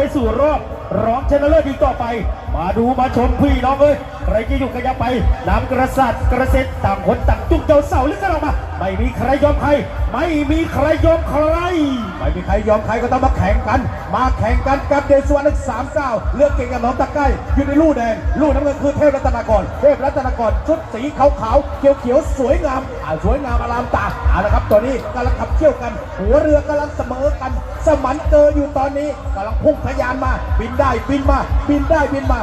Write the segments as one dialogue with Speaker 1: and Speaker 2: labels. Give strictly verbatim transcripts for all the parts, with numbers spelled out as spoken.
Speaker 1: สู่รอบรองชนะเลิศอีกต่อไปมาดูมาชมพี่น้องเอ้ยใครจะอยู่กันยังไปน้ำกระสัดกระเซ็นต่างคนต่างจุกเจ้าเสาลึกกันออกมาไม่มีใครยอมใครไม่มีใครยอมใครไม่มีใครยอมใครก็ต้องมาแข่งกันมาแข่งกันกับเดชวรรณสามเก้าเลือกเก่งกับน้องตะไคร้อยู่ในลู่แดงลู่น้ำเงินคือเทพรัตนากรเทพรัตนากรชุดสีขาวๆเขียวๆสวยงามอ่าสวยงามอลามตาเอาละครับตอนนี้กำลังขับเคี่ยวกันหัวเรือกำลังเสมอกันสมันเกออยู่ตอนนี้กำลังพุ่งทะยานมาบินได้บินมาบินได้บินมา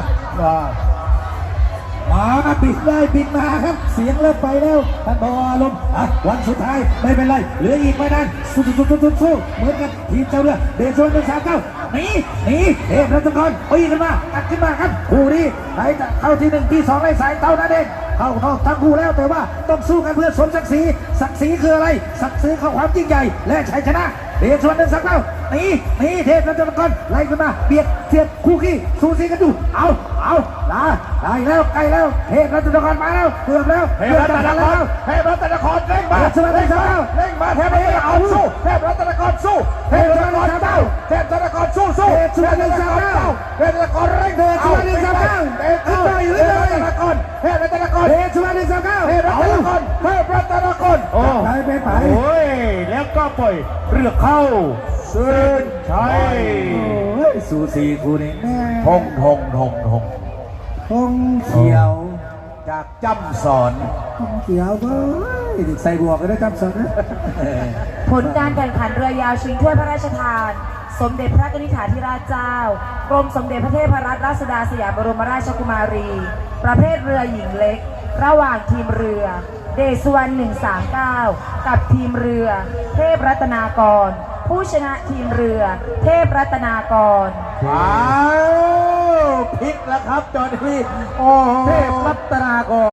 Speaker 2: มาบินได้บินมาครับเสียงเริ่มไปแล้วท่านบอลมอ่ะวันสุดท้ายไม่เป็นไรเหลืออีกไม่นานสู้สู้สู้สู้สู้เหมือนกันทีมเจ้าเรือเดชวรรณหนึ่งสามเก้าหนีหนีเทพรัตนกรปีขึ้นมาตัดขึ้นมาครับคู่นี้ใครจะเข้าที่หนึ่งที่สองในสายเต้านั่นเองเข้านอกทั้งคู่แล้วแต่ว่าต้องสู้กันเพื่อสมศักดิ์ศรีศักดิ์ศรีคืออะไรศักดิ์ศรีของความยิ่งใหญ่และชัยชนะเดชวรรณหนึ่งสามเก้าหนีหนีเทพรัตนกรไล่ขึ้นมาเบียดเสียดคู่ขี้สู้ซีกันดูเอาเอาได้ได้แล้วใกล้แล้วเทพรัตนกรมาแล้วเกือบแล้ว
Speaker 1: เทพรัตนกรเทพรัตนกรเร่งมาเร่งมาเร่งมาเทพรัตนกรสู้เทพรัตนกรสู้เทพรัตนกรเต้าเทพรัตนกรสู้สู้เทพรัตนกรเต้าเทพรัตนกรเร่งเดินสู้หนึ่งสามเก้าเทพรัตนกรเทพรัตนกรเทพรัตนกรเทพรัตนกรเทพรัตนกรเทพรัตนกรโอ้ไปไปไปโอ้ยแล้วก็ปล่อยเรือเข้าเส้นชัย
Speaker 2: สูสีคู่นี้แม่
Speaker 1: ทงทงทงทง
Speaker 2: ทงเขียว
Speaker 1: จากจำสอน
Speaker 2: ทงเขียวเบ้ยใส่บวกก็ได้จำสอนนะ
Speaker 3: ผลการแข่งขันเรือยาวชิงถ้วยพระราชทานสมเด็จพระกนิษฐาธิราชเจ้ากรมสมเด็จพระเทพรัตนราชสุดาสยามบรมราชกุมารีประเภทเรือหญิงเล็กระหว่างทีมเรือเดชวรรณหนึ่งสามเก้ากับทีมเรือเทพรัตนากรผู้ชนะทีมเรือเทพรัตนากร
Speaker 1: ว้าวพลิกแล้วครับจอห์นนี่โอ้เทพรัตนากร